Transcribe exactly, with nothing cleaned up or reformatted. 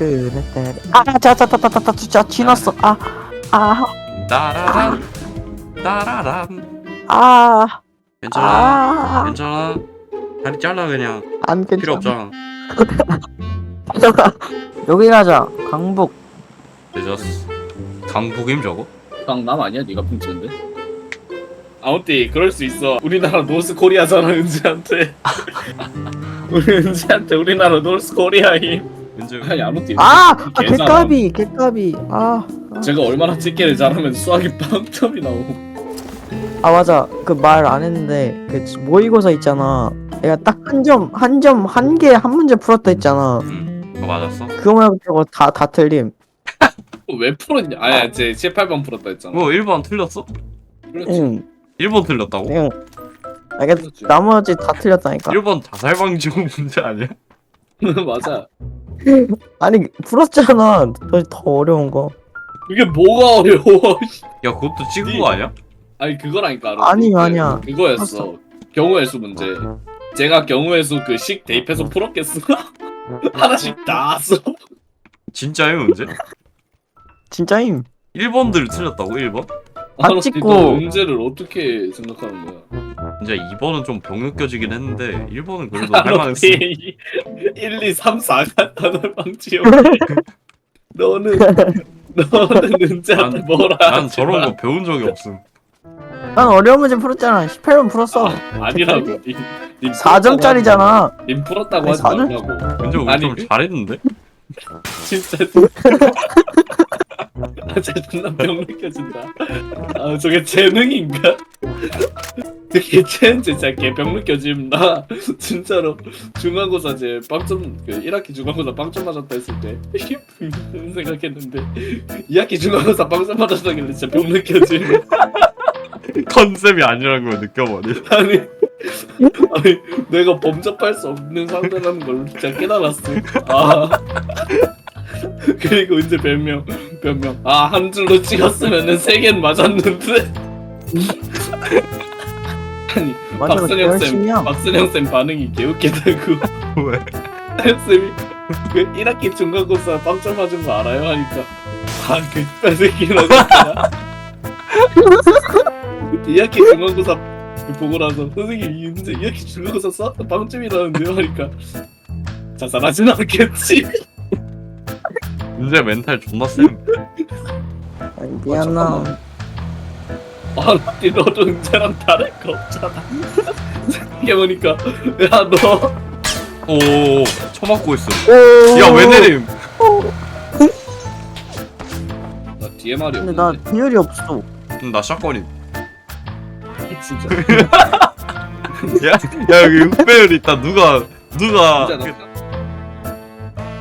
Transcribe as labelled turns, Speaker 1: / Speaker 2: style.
Speaker 1: 그랬대. 아자자자자자자 지났어. 아아
Speaker 2: 따라란 따라란.
Speaker 1: 아.
Speaker 2: 괜찮아
Speaker 1: 아.
Speaker 2: 괜찮아. 다리 잘라 그냥.
Speaker 1: 안 괜찮아.
Speaker 2: 필요 없잖아.
Speaker 1: 여기 가자. 강북.
Speaker 2: 늦었어. 강북임 저거?
Speaker 3: 강남 아니야? 네가 훔치는데? 아무튼 그럴 수 있어. 우리나라 노스 코리아잖아 은지한테. 우리 은지한테 우리나라 노스 코리아임.
Speaker 2: 은지
Speaker 3: 아니 아무튼
Speaker 1: 아, 아
Speaker 3: 개잘함.
Speaker 1: 개까비 개까비. 아.
Speaker 3: 제가 얼마나 찍기를 잘하면 수학이 빵점이 나오고.
Speaker 1: 아 맞아. 그 말 안 했는데 그 모의고사 있잖아. 내가 딱 한 점 한 점 한 개 한 문제 풀었다 했잖아.
Speaker 2: 응. 그거 맞았어?
Speaker 1: 그거 말고 다다 틀림.
Speaker 3: 왜 풀었냐? 아야 제 십팔 번 풀었다 했잖아.
Speaker 2: 뭐 일 번 틀렸어?
Speaker 3: 그렇지.
Speaker 1: 응.
Speaker 2: 일 번 틀렸다고?
Speaker 1: 그냥 아, 이게
Speaker 3: 그렇지.
Speaker 1: 나머지 다 틀렸다니까.
Speaker 2: 일 번 자살 방지 문제 아니야?
Speaker 3: 맞아.
Speaker 1: 아니 풀었잖아. 더, 더 어려운 거.
Speaker 3: 그게 뭐가 어려워?
Speaker 2: 야 그것도 찍은
Speaker 3: 니-
Speaker 2: 거 아니야?
Speaker 3: 아니 그거라니까.
Speaker 1: 아니,
Speaker 3: 그-
Speaker 1: 아니야.
Speaker 3: 그거였어. 경우의 수 문제. 제가 경우의 수 그 식 대입해서 풀었겠어? 하나씩 다 써.
Speaker 2: 진짜요 문제?
Speaker 1: 진짜임.
Speaker 2: 일 번들 틀렸다고 일 번?
Speaker 1: 안
Speaker 3: 아니,
Speaker 1: 찍고.
Speaker 3: 너 문제를 어떻게 생각하는 거야?
Speaker 2: 진짜 이 번은 좀 병 느껴지긴 했는데 일 번은 그래도 할만했어.
Speaker 3: 일, 이, 삼, 사가 단어 방지요. 너는 너는 은재한테
Speaker 2: 난-
Speaker 3: 뭐라
Speaker 2: 난
Speaker 3: 하지
Speaker 2: 저런
Speaker 3: 마.
Speaker 2: 거 배운 적이 없음.
Speaker 1: 난 어려운 문제 풀었잖아. 십팔 번 풀었어.
Speaker 3: 아니라고. 님, 님
Speaker 1: 사 점짜리잖아.
Speaker 3: 풀었다고 하지- 님 풀었다고
Speaker 1: 아니,
Speaker 3: 하지
Speaker 1: 사 점?
Speaker 3: 말라고.
Speaker 2: 근데 우리
Speaker 3: 아니,
Speaker 2: 좀 잘했는데?
Speaker 3: 진짜. 아, 진짜 존나 병 느껴진다. 아, 저게 재능인가? 되게 쟤는 진짜 개병 느껴짐. 나 진짜로 중간고사 제 빵점 그 일 학기 중간고사 빵점 맞았다 했을 때 생각했는데 이 학기 중간고사 빵점 맞았다길래 진짜 병 느껴짐.
Speaker 2: 컨셉이 아니라는 걸 느껴버리.
Speaker 3: 아니 아니 내가 범접할 수 없는 상대라는 걸 진짜 깨달았어. 아 그리고 이제 별명 별명 아 한 줄로 찍었으면은 세 개는 맞았는데. 아니
Speaker 1: 맞아,
Speaker 3: 박선영 쌤
Speaker 1: 열심히야.
Speaker 3: 박선영 쌤 반응이 개웃기다고.
Speaker 2: 왜?
Speaker 3: 쌤이 그 일 학기 중간고사 빵점 맞은 거 알아요? 하니까 아그 뺏새끼라고 이 학기 중간고사 보고 나서 선생님 이 문제 이 학기 중간고사 쌌다 빵점이라는데요? 하니까 자살하진 않겠지.
Speaker 2: 은재 멘탈 존나 쌤.
Speaker 1: 아니, 미안나.
Speaker 3: 아 너도 은재랑 다를 거 없잖아. 생각해보니까 야너
Speaker 2: 오, 쳐맞고 있어.
Speaker 1: 오.
Speaker 2: 야 왜 내림?
Speaker 3: 나 뒤에 말이
Speaker 1: 근데
Speaker 3: 없는데
Speaker 1: 나 비율이 없어.
Speaker 2: 음, 나 샷건임.
Speaker 3: 진짜
Speaker 2: 야, 야 여기 흑배율 있다. 누가 누가
Speaker 3: 진짜 나